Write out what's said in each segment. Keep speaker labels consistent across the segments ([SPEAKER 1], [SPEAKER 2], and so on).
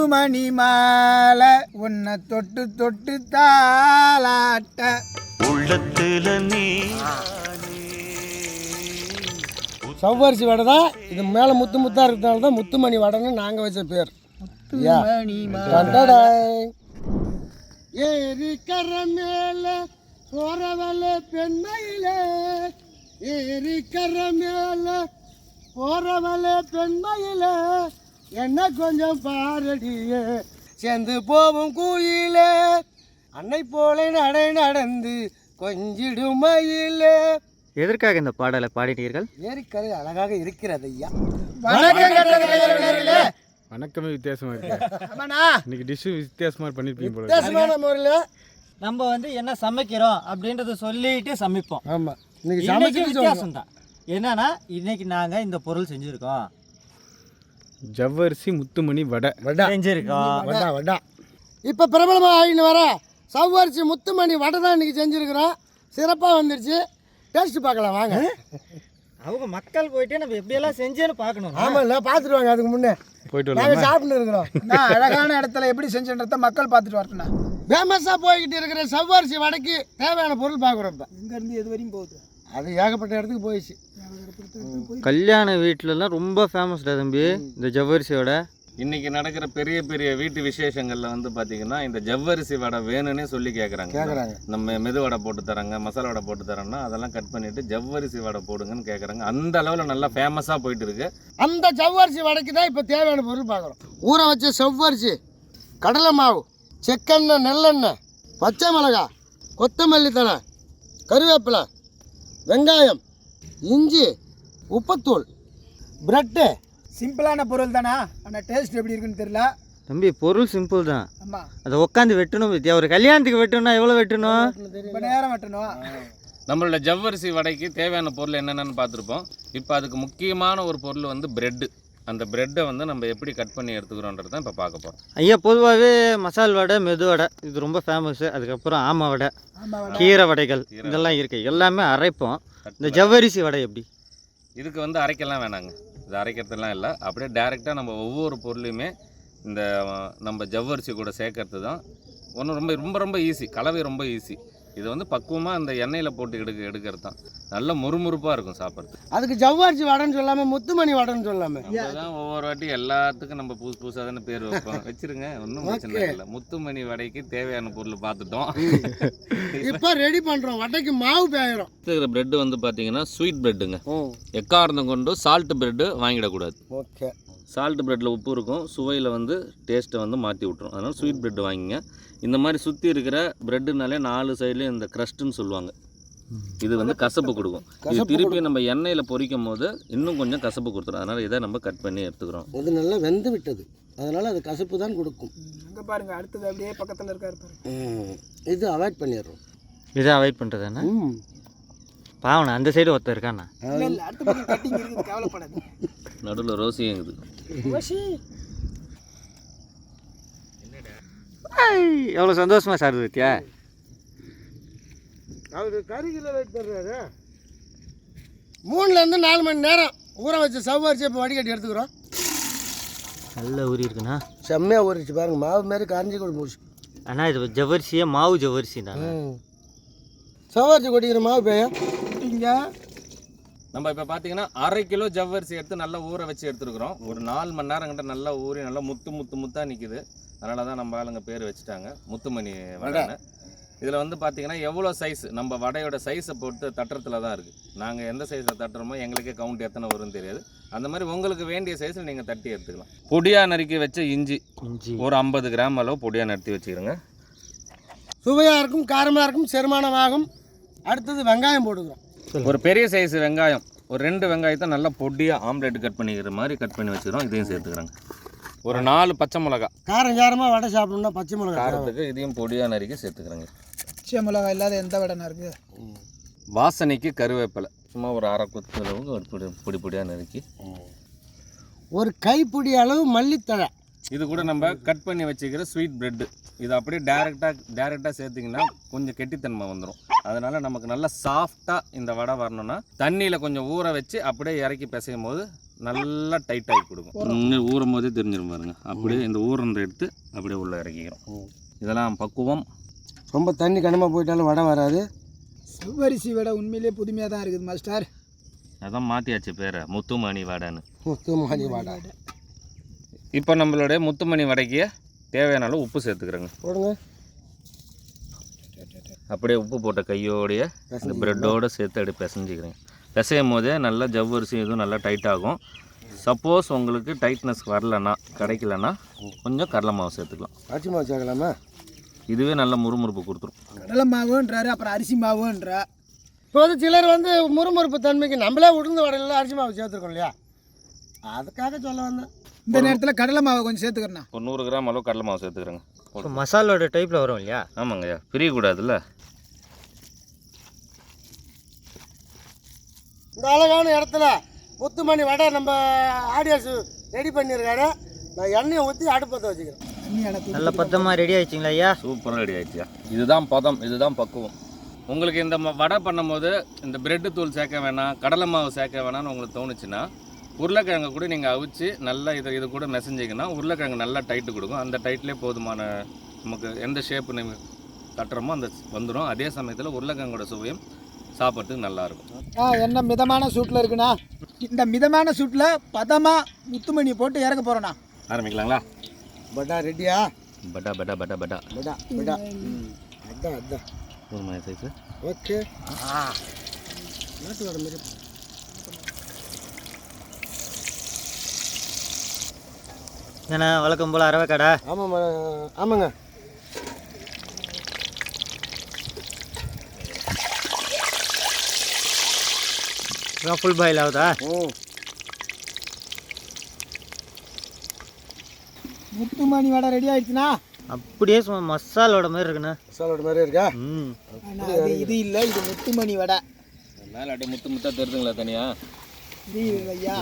[SPEAKER 1] மணி மாலை உன்னை தொட்டு தொட்டு தாளாட்ட உள்ளத்துல நீ.
[SPEAKER 2] சவ்வரிசி வடை தான் இது. மேலே முத்து முத்தாக இருக்கிறதுனால தான் முத்துமணி வடைன்னு நாங்கள் வச்ச பேர். ஏரிக்கர மேல போறவள பெண்மையில, ஏரிக்கர மேல போறவள பெண்மையில, என்ன கொஞ்சம் பாரடியே சேர்ந்து போவும் கூயிலே, அன்னை போல நடை நடந்து கொஞ்சிடும் மயிலே.
[SPEAKER 3] எதற்காக இந்த பாடலை பாடினீர்கள்?
[SPEAKER 2] ஏரிக்கரை அழகாக இருக்கிறது ஐயா.
[SPEAKER 4] வணக்கமே வித்தியாசமா இருக்கு. இன்னைக்கு டிஷ் வித்தியாசமா பண்ணிருப்பீங்க போல.
[SPEAKER 2] வித்தியாசமான முறையில்
[SPEAKER 5] நம்ம என்ன சமைக்கிறோம் அப்படின்றத சொல்லிட்டு சமைப்போம்.
[SPEAKER 2] ஆமாம், இன்னைக்கு
[SPEAKER 5] சமைக்க வித்தியாசம் தான். என்னன்னா இன்னைக்கு நாங்கள் இந்த பொருள் செஞ்சுருக்கோம்.
[SPEAKER 4] ஜவ்வரிசி முத்துமணி வடை
[SPEAKER 5] செஞ்சுருக்கோம்.
[SPEAKER 2] வடை இப்போ பிரபலமாக ஆகின்னு வர சவ்வரிசி முத்துமணி வடை தான் இன்றைக்கி செஞ்சுருக்குறோம். சிறப்பாக வந்துருச்சு. டேஸ்ட் பார்க்கலாம் வாங்க.
[SPEAKER 5] அவங்க மக்கள் போயிட்டு நம்ம எப்படியெல்லாம் செஞ்சேன்னு பார்க்கணும்.
[SPEAKER 2] ஆமாம், இல்லை பார்த்துட்டு வாங்க. அதுக்கு முன்னே
[SPEAKER 4] போயிட்டு
[SPEAKER 2] நாங்கள் சாப்பிட்டு இருக்கிறோம்.
[SPEAKER 1] அழகான இடத்துல எப்படி செஞ்சுன்றத மக்கள் பார்த்துட்டு வரட்டுண்ணா.
[SPEAKER 2] ஃபேமஸாக போய்கிட்டு இருக்கிற சவ்வரிசி வடைக்கு தேவையான பொருள் பார்க்குறோம். இப்போ
[SPEAKER 1] இங்கேருந்து எது வரையும் போகுது?
[SPEAKER 2] அது ஏகப்பட்ட இடத்துக்கு போயிடுச்சு.
[SPEAKER 3] கல்யாண வீட்டிலலாம் ரொம்ப ஃபேமஸ்டா தம்பி இந்த ஜவ்வரிசி வடை.
[SPEAKER 6] இன்றைக்கி நடக்கிற பெரிய பெரிய வீட்டு விசேஷங்களில் வந்து பார்த்திங்கன்னா இந்த ஜவ்வரிசி வடை வேணும்னே சொல்லி கேட்குறாங்க. நம்ம மெது வடை போட்டு தராங்க, மசாலா வடை போட்டு தரோன்னா அதெல்லாம் கட் பண்ணிவிட்டு ஜவ்வரிசி வடை போடுங்கன்னு கேட்குறாங்க. அந்த அளவில் நல்லா ஃபேமஸாக போயிட்டு இருக்கு.
[SPEAKER 2] அந்த ஜவ்வரிசி வடைக்கு தான் இப்போ தேவையான பொருள் பார்க்குறோம். ஊற வச்ச செவ்வரிசி, கடலை மாவு, செக்கெண்ணெய், நெல்லெண்ணெய், பச்சை மிளகாய், கொத்தமல்லி தழை, கருவேப்பிலை, வெங்காயம், இஞ்சி, உப்புத்தூள், ப்ரெட்டு.
[SPEAKER 1] சிம்பிளான பொருள் தானா, ஆனால் டேஸ்ட் எப்படி இருக்குன்னு தெரியல
[SPEAKER 3] தம்பி. பொருள் சிம்பிள் தான்.
[SPEAKER 1] ஆமாம்,
[SPEAKER 3] அதை உட்காந்து வெட்டணும் வித்தியா. ஒரு கல்யாணத்துக்கு வெட்டணும்னா எவ்வளோ வெட்டணும்?
[SPEAKER 1] ரொம்ப நேரம் வெட்டணும்.
[SPEAKER 6] நம்மளோட ஜவ்வரிசி வடைக்கு தேவையான பொருள் என்னென்னு பார்த்துருப்போம். இப்போ அதுக்கு முக்கியமான ஒரு பொருள் வந்து ப்ரெட்டு. அந்த ப்ரெட்டை வந்து நம்ம எப்படி கட் பண்ணி எடுத்துக்கிறோன்றது தான் இப்போ பார்க்க போகிறோம்.
[SPEAKER 3] ஐயா, பொதுவாகவே மசால் வடை, மெது வடை இது ரொம்ப ஃபேமஸ்ஸு. அதுக்கப்புறம் ஆமை வடை, கீரை வடைகள் இதெல்லாம் இருக்குது. எல்லாமே அரைப்போம். இந்த ஜவ்வரிசி வடை எப்படி?
[SPEAKER 6] இதுக்கு வந்து அரைக்கலாம் வேணாங்க. இது அரைக்கிறதுலாம் இல்லை, அப்படியே டேரெக்டாக நம்ம ஒவ்வொரு பொருளையுமே இந்த நம்ம ஜவ்வரிசி கூட சேர்க்கறது தான் ஒன்றும் ரொம்ப ரொம்ப ரொம்ப ஈஸி. கலவை ரொம்ப ஈஸி. இது வந்து பக்குவமாக அந்த எண்ணெயில் போட்டு எடுக்கிறது தான். நல்ல முறுமுறுப்பாக இருக்கும் சாப்பிட்றது.
[SPEAKER 2] அதுக்கு ஜவ்வரிசி வடைன்னு சொல்லாமல் முத்துமணி வடைன்னு சொல்லாமல்
[SPEAKER 6] அதுதான் ஒவ்வொரு வாட்டி எல்லாத்துக்கும் நம்ம புதுசு புதுசாக தானே பேர் வைப்போம். வச்சிருங்க, ஒன்றும் பிரச்சனை இல்லை. முத்துமணி வடைக்கு தேவையான பொருள் பார்த்துட்டோம்.
[SPEAKER 2] இப்போ ரெடி பண்ணுறோம். வடைக்கு மாவு பேயிடும்.
[SPEAKER 6] இருக்கிற ப்ரெட்டு வந்து பார்த்தீங்கன்னா ஸ்வீட் ப்ரெட்டுங்க. எக்காரணம் கொண்டு சால்ட் ப்ரெட்டு வாங்கிடக்கூடாது.
[SPEAKER 2] ஓகே,
[SPEAKER 6] சால்ட் ப்ரெட்டில் உப்பு இருக்கும், சுவையில் வந்து டேஸ்ட்டை வந்து மாற்றி விட்ரும். அதனால் ஸ்வீட் ப்ரெட்டு வாங்கிங்க. இந்த மாதிரி சுற்றி இருக்கிற ப்ரெட்டுனாலே 4 சைட்லேயும் இந்த க்ரஸ்ட்டுன்னு சொல்லுவாங்க. இது வந்து கசப்பு கொடுக்கும். இது திருப்பி நம்ம எண்ணெயில் பொரிக்கும் போது இன்னும் கொஞ்சம் கசப்பு கொடுத்துரும். அதனால் இதை நம்ம கட் பண்ணி எடுத்துக்கிறோம்.
[SPEAKER 2] இது நல்லா வெந்து விட்டது, அதனால் அது கசப்பு தான் கொடுக்கும்.
[SPEAKER 1] அங்கே பாருங்கள், அடுத்தது அப்படியே பக்கத்தில் இருக்காரு பாருங்க.
[SPEAKER 2] இது அவாய்ட் பண்ணிடுறோம்.
[SPEAKER 3] இதை அவாய்ட் பண்ணுறதுன்னா பாவண்ணா அந்த சைடு ஒருத்தர் இருக்காண்ணா.
[SPEAKER 1] அடுத்த பக்கம் கட்டிங் இருக்குது, கவலைப்படாது.
[SPEAKER 6] நடுவில் ரோசியும் இருக்குது.
[SPEAKER 3] எவ்வளோ சந்தோஷமாக சார் வித்தியா.
[SPEAKER 2] அவர் கறிகளை வெயிட் பண்ணுறாரு. 3லேருந்து 4 மணி நேரம் ஊற வச்ச சவ்வரிசி இப்போ வடிகட்டி எடுத்துக்கிறோம்.
[SPEAKER 3] நல்ல ஊறி இருக்குண்ணா.
[SPEAKER 2] செம்மையாக ஊறிச்சு பாருங்க. மாவு மாரி கரைஞ்சி கூட போச்சு.
[SPEAKER 3] அண்ணா இது ஜவ்வரிசியே மாவு ஜவ்வரிசிண்ணா.
[SPEAKER 2] சவ்வரிசி கொட்டிக்கிற மாவு பேய
[SPEAKER 1] இங்கே
[SPEAKER 6] நம்ம இப்போ பார்த்தீங்கன்னா 1/2 கிலோ ஜவ்வரிசி எடுத்து நல்லா ஊற வச்சு எடுத்துருக்குறோம். ஒரு 4 மணி நேரம் கிட்ட நல்லா ஊறி நல்லா முத்தாக நிற்கிது. அதனால தான் நம்ம ஆளுங்க பேர் வச்சுட்டாங்க முத்துமணி வடைன்னு. இதில் வந்து பார்த்தீங்கன்னா எவ்வளோ சைஸ், நம்ம வடையோட சைஸை போட்டு தட்டுறதுல தான் இருக்குது. நாங்கள் எந்த சைஸில் தட்டுறோமோ எங்களுக்கே கவுண்ட் எத்தனை வரும்னு தெரியாது. அந்த மாதிரி உங்களுக்கு வேண்டிய சைஸில் நீங்கள் தட்டி எடுத்துக்கலாம். பொடியாக நறுக்கி வச்ச இஞ்சி ஒரு 50 கிராம் அளவு பொடியாக நறுத்தி வச்சுக்கிறோங்க.
[SPEAKER 2] சுவையாக இருக்கும், காரமாக இருக்கும், செரிமானமாகும். அடுத்தது வெங்காயம் போட்டுக்கிறோம்.
[SPEAKER 6] ஒரு பெரிய சைஸ் வெங்காயம், ஒரு 2 வெங்காயத்தை நல்லா பொடியாக ஆம்லேட் கட் பண்ணிக்கிற மாதிரி கட் பண்ணி வச்சுக்கிறோம். இதையும் சேர்த்துக்கிறோங்க. ஒரு 4 பச்சை மிளகா.
[SPEAKER 2] காரமாக வடை சாப்பிடணும்னா பச்சை மிளகா
[SPEAKER 6] காரத்துக்கு இதையும் பொடியாக நறுக்கி சேர்த்துக்கிறேங்க.
[SPEAKER 1] பச்சை மிளகா இல்லாத எந்த வடைனா இருக்குது.
[SPEAKER 6] வாசனைக்கு கருவேப்பிலை சும்மா ஒரு 1/2 கொத்து அளவுக்கு ஒரு பொடியாக நறுக்கி.
[SPEAKER 2] ஒரு கைப்பிடி அளவு மல்லித்தழை.
[SPEAKER 6] இது கூட நம்ம கட் பண்ணி வச்சுக்கிற ஸ்வீட் ப்ரெட்டு. இது அப்படியே டேரெக்டாக சேர்த்திங்கன்னா கொஞ்சம் கெட்டித்தன்மை வந்துடும். அதனால் நமக்கு நல்லா சாஃப்டாக இந்த வடை வரணும்னா தண்ணியில் கொஞ்சம் ஊற வச்சு அப்படியே இறக்கி பிசையும் போது நல்லா டைட்டாகி கொடுக்கும். ஊறும் போதே தெரிஞ்சிடும் பாருங்க. அப்படியே இந்த ஊறந்த எடுத்து அப்படியே உள்ளே இறக்கிக்கிறோம். இதெல்லாம் பக்குவம்.
[SPEAKER 2] ரொம்ப தண்ணி கனமாக போயிட்டாலும் வடை வராது.
[SPEAKER 1] செவ்வரிசி வடை உண்மையிலே புதுமையாக தான் இருக்குது மாஸ்டர்.
[SPEAKER 6] அதான் மாற்றியாச்சு பேரை, முத்துமணி வடைன்னு.
[SPEAKER 2] முத்துமணி வடை.
[SPEAKER 6] இப்போ நம்மளுடைய முத்துமணி வடைக்கு தேவையான அளவு உப்பு சேர்த்துக்கிறோங்க.
[SPEAKER 2] போடுங்க.
[SPEAKER 6] அப்படியே உப்பு போட்ட கையோடைய இந்த ப்ரெட்டோடு சேர்த்து அப்படி பிசைஞ்சிக்கிறேங்க. பிசையும் போதே நல்லா ஜவ்வரிசி இதுவும் நல்லா டைட்டாகும். சப்போஸ் உங்களுக்கு டைட்னஸ் வரலன்னா, கிடைக்கலன்னா கொஞ்சம் கடலை மாவு சேர்த்துக்கலாம்.
[SPEAKER 2] அரிசி மாவு சேர்க்கலாமா?
[SPEAKER 6] இதுவே நல்ல முறுமுறுப்பு கொடுத்துரும்.
[SPEAKER 1] கடலை மாவுன்றாரு, அப்புறம் அரிசி மாவுன்றா.
[SPEAKER 2] இப்போ வந்து சிலர் வந்து முறுமுறுப்பு தன்மைக்கு நம்மளே உளுந்து வடையில் அரிசி மாவு சேர்த்துருக்கோம் இல்லையா, அதுக்காக சொல்ல வந்தேன்.
[SPEAKER 1] இந்த நேரத்தில் கடலை மாவை கொஞ்சம் சேர்த்துக்கிறேண்ணா.
[SPEAKER 6] ஒரு 100 கிராம் அளவு கடலை மாவு சேர்த்துக்கிறேங்க.
[SPEAKER 3] இப்போ மசாலோட டைப்பில் வரும் இல்லையா?
[SPEAKER 6] ஆமாங்கய்யா, பிரியக்கூடாதுல்ல.
[SPEAKER 2] இந்த அழகான இடத்துல முத்துமணி வடை நம்ம ஆடியன்ஸ் ரெடி பண்ணியிருக்காரு. நான் எண்ணெயை ஊற்றி அடுப்பத்தை வச்சுக்கிறேன்.
[SPEAKER 3] நல்ல பத்தமாக ரெடி ஆயிடுச்சிங்களா ஐயா?
[SPEAKER 6] சூப்பராக ரெடி ஆயிடுச்சியா. இதுதான் பதம், இதுதான் பக்குவம். உங்களுக்கு இந்த வடை பண்ணும்போது இந்த பிரெட்டு தூள் சேர்க்க வேணாம், கடலை மாவு சேர்க்க வேணாம்னு உங்களுக்கு தோணுச்சுன்னா உருளைக்கிழங்கு கூட நீங்கள் அவிச்சு நல்லா இது கூட மெசஞ்சிங்கன்னா உருளைக்கிழங்கு நல்லா டைட்டு கொடுக்கும். அந்த டைட்லேயே போதுமான நமக்கு எந்த ஷேப்பு நீங்கள் கட்டுறோமோ அந்த வந்துடும். அதே சமயத்தில் உருளைக்கிழங்கோட சுவையும் சாப்பிட்றதுக்கு நல்லாயிருக்கும்.
[SPEAKER 1] என்ன மிதமான சூட்டில் இருக்குண்ணா. இந்த மிதமான சூட்டில் பதமாக முத்துமணி போட்டு இறக்க போகிறோண்ணா.
[SPEAKER 6] ஆரம்பிக்கலாங்களா?
[SPEAKER 2] பட்டா ரெடியா?
[SPEAKER 6] பட்டா பட்டா பட்டா பட்டா
[SPEAKER 2] பட்டா பட்டா அதான் அதான்
[SPEAKER 6] ஒரு மாதிரி சைஸு.
[SPEAKER 2] ஓகே. நாட்டு வர மாதிரி
[SPEAKER 3] ஏன்னா வழக்கம் போல் அரவை கடை.
[SPEAKER 2] ஆமாம் ஆமாங்க.
[SPEAKER 3] ஃபுல் பாயில் ஆகுதா?
[SPEAKER 1] முத்துமணி வடை ரெடி ஆயிடுச்சுண்ணா.
[SPEAKER 3] அப்படியே சும்மா மசாலோட மாதிரி இருக்குண்ணா.
[SPEAKER 2] மசாலோட மாதிரி இருக்கா?
[SPEAKER 1] இது இல்லை, இது முத்துமணி வடை.
[SPEAKER 6] மேலே அப்படியே முத்து முத்தாக தெரியுதுங்களா தனியா?
[SPEAKER 1] இது ஐயா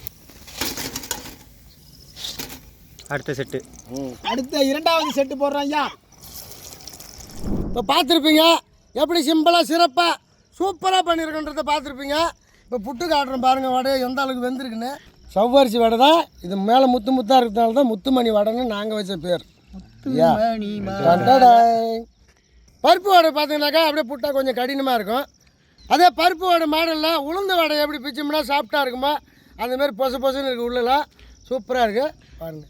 [SPEAKER 3] அடுத்த செட்டு.
[SPEAKER 1] அடுத்த 2வது செட்டு போடுறோம் ஐயா.
[SPEAKER 2] இப்போ பார்த்துருப்பீங்க எப்படி சிம்பிளாக சிறப்பாக சூப்பராக பண்ணியிருக்கன்றதை பார்த்துருப்பீங்க. இப்போ புட்டு காட்டுறோம் பாருங்கள் வடை எந்த அளவுக்கு வெந்திருக்குன்னு. செவ்வரிசி வடை தான் இது. மேலே முத்து முத்தாக இருக்கிறதுனால தான் முத்துமணி வடைன்னு நாங்கள் வச்ச பேர். பருப்பு வடை பார்த்தீங்கன்னாக்கா அப்படியே புட்டா கொஞ்சம் கடினமாக இருக்கும். அதே பருப்பு வடை மாடலில் உளுந்து வடை எப்படி பிச்சோம்னா சாஃப்டாக இருக்குமோ அந்தமாரி பொசு பொசுன்னு இருக்குது. உள்ளலாம் சூப்பராக இருக்குது பாருங்கள்.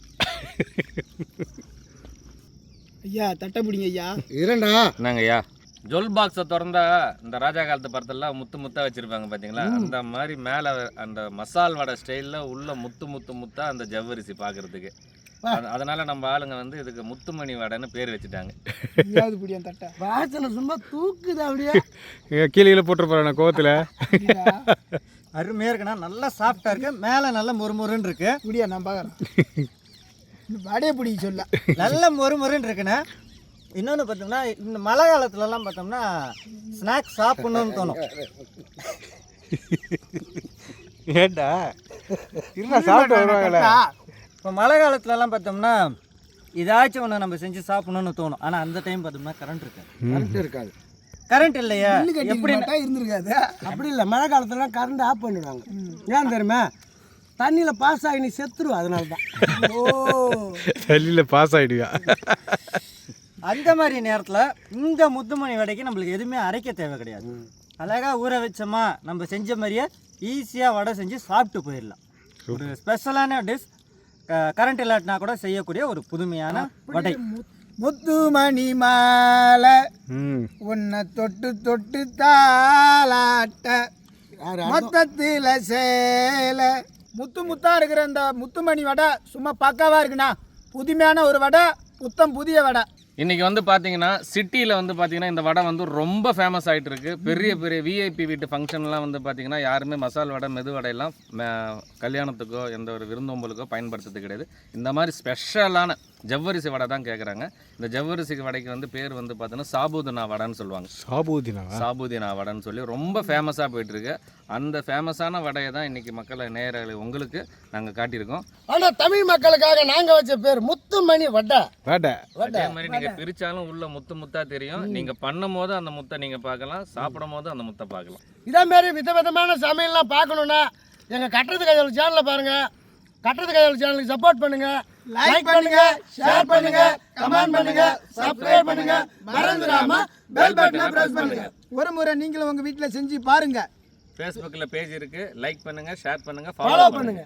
[SPEAKER 1] ஐயா தட்டை பிடிங்க ஐயா.
[SPEAKER 2] இரண்டா
[SPEAKER 6] என்னங்க ஐயா, ஜுவல் பாக்ஸை திறந்தா இந்த ராஜா காலத்து படத்தெல்லாம் முத்து முத்தாக வச்சுருப்பாங்க பார்த்தீங்களா? அந்த மாதிரி மேலே அந்த மசால் வடை ஸ்டைலில் உள்ள முத்து முத்து முத்தா அந்த ஜவ்வரிசி பார்க்குறதுக்கு. அதனால நம்ம ஆளுங்க வந்து இதுக்கு முத்துமணி வடைன்னு பேர் வச்சுட்டாங்க.
[SPEAKER 1] பிடிக்கும் தட்டை
[SPEAKER 2] வாசனை சும்மா தூக்குது அப்படியே.
[SPEAKER 4] கீழே போட்டு போகிறேன் கோவத்தில்.
[SPEAKER 5] அருமையாக இருக்குண்ணா. நல்லா சாஃப்டாக இருக்கு, மேலே நல்லா மொறுமொறுன்னு இருக்கு.
[SPEAKER 1] முடியா நான் பார்க்குறேன். வடையை பிடிக்க சொல்ல
[SPEAKER 5] நல்ல மொறுமொறுன்னு இருக்குண்ணா. இன்னொன்று பார்த்தோம்னா இந்த மழை காலத்துலலாம் பார்த்தோம்னா ஸ்நாக்ஸ் சாப்பிட்ணுன்னு தோணும்.
[SPEAKER 4] ஏண்டா இருந்தா சாப்பிட்டு வருவாங்களே.
[SPEAKER 5] இப்போ மழை காலத்துலலாம் பார்த்தோம்னா ஏதாச்சும் ஒன்று நம்ம செஞ்சு சாப்பிட்ணுன்னு தோணும். ஆனால் அந்த டைம் பார்த்தோம்னா கரண்ட்
[SPEAKER 2] இருக்காது.
[SPEAKER 5] கரண்ட் இல்லையா?
[SPEAKER 1] எப்படி இருந்திருக்காது.
[SPEAKER 2] அப்படி இல்லை, மழை காலத்துலலாம் கரண்ட் ஆஃப் பண்ணிடுவாங்க. ஏன் தெரியுமா? தண்ணியில் பாஸ் ஆகி நீ செத்துருவா. அதனால தான்.
[SPEAKER 1] ஓ,
[SPEAKER 4] தண்ணியில் பாஸ் ஆகிடுவா.
[SPEAKER 5] அந்த மாதிரி நேரத்தில் இந்த முத்துமணி வடைக்கு நம்மளுக்கு எதுவுமே அரைக்க தேவை கிடையாது. அழகாக ஊற வச்சோமா நம்ம செஞ்ச மாதிரியே ஈஸியாக வடை செஞ்சு சாப்பிட்டு போயிடலாம். ஒரு ஸ்பெஷலான டிஷ், கரண்ட் இல்லாட்டினா கூட செய்யக்கூடிய ஒரு புதுமையான வடை.
[SPEAKER 1] முத்துமணி மாலை உன்னை தொட்டு தொட்டு தாளாட்ட மொத்தத்தில் சேல. முத்து முத்தா இருக்கிற இந்த முத்துமணி வடை சும்மா பக்காவாக இருக்குண்ணா. புதுமையான ஒரு வடை, புத்தம் புதிய வடை.
[SPEAKER 6] இன்றைக்கி வந்து பார்த்தீங்கன்னா சிட்டியில் வந்து பார்த்தீங்கன்னா இந்த வடை வந்து ரொம்ப ஃபேமஸ் ஆகிட்டு இருக்குது. பெரிய பெரிய விஐபி வீட்டு ஃபங்க்ஷன்லாம் வந்து பார்த்திங்கன்னா யாருமே மசால் வடை மெது வடையெல்லாம் கல்யாணத்துக்கோ எந்த ஒரு விருந்தோம்பலுக்கோ பயன்படுத்துறது கிடையாது. இந்த மாதிரி ஸ்பெஷலான ஜவ்வரிசி வடை தான் கேட்குறாங்க. இந்த ஜவ்வரிசி வடைக்கு வந்து பேர் வந்து பார்த்தீங்கன்னா சாபூதினா வடைன்னு சொல்லுவாங்க. சாபூதினா வடைன்னு சொல்லி ரொம்ப ஃபேமஸாக போயிட்டுருக்கு. அந்த ஃபேமஸான வடையை தான் இன்றைக்கி மக்களை நேரலை உங்களுக்கு நாங்கள் காட்டியிருக்கோம்.
[SPEAKER 2] ஆனால் தமிழ் மக்களுக்காக நாங்கள் வச்ச பேர் முத்துமணி வடை.
[SPEAKER 6] அதே மாதிரி நீங்கள் பிரித்தாலும் உள்ள முத்து முத்தாக தெரியும். நீங்கள் பண்ணும் போது அந்த முத்தை நீங்கள் பார்க்கலாம், சாப்பிடும் போது அந்த முத்தை பார்க்கலாம்.
[SPEAKER 2] இதே மாதிரி விதவிதமான சமையல்லாம் பார்க்கணுன்னா எங்கள் கட்டுறது கையாளு சேனலை பாருங்கள். கட்டுறது கையாளு சேனலுக்கு சப்போர்ட் பண்ணுங்கள். லைக் பண்ணுங்க, ஷேர் பண்ணுங்க, கமெண்ட் பண்ணுங்க, சப்ஸ்கிரைப் பண்ணுங்க, மறந்துடாம பெல் பட்டனை பிரஸ் பண்ணுங்க.
[SPEAKER 1] ஒரு முறை நீங்களும் உங்கள் வீட்டில் செஞ்சு பாருங்கள்.
[SPEAKER 6] ஃபேஸ்புக்கில் பேஜ் இருக்குது, லைக் பண்ணுங்கள், ஷேர் பண்ணுங்கள்,
[SPEAKER 2] ஃபாலோ
[SPEAKER 6] ஃபாலோ
[SPEAKER 2] பண்ணுங்க.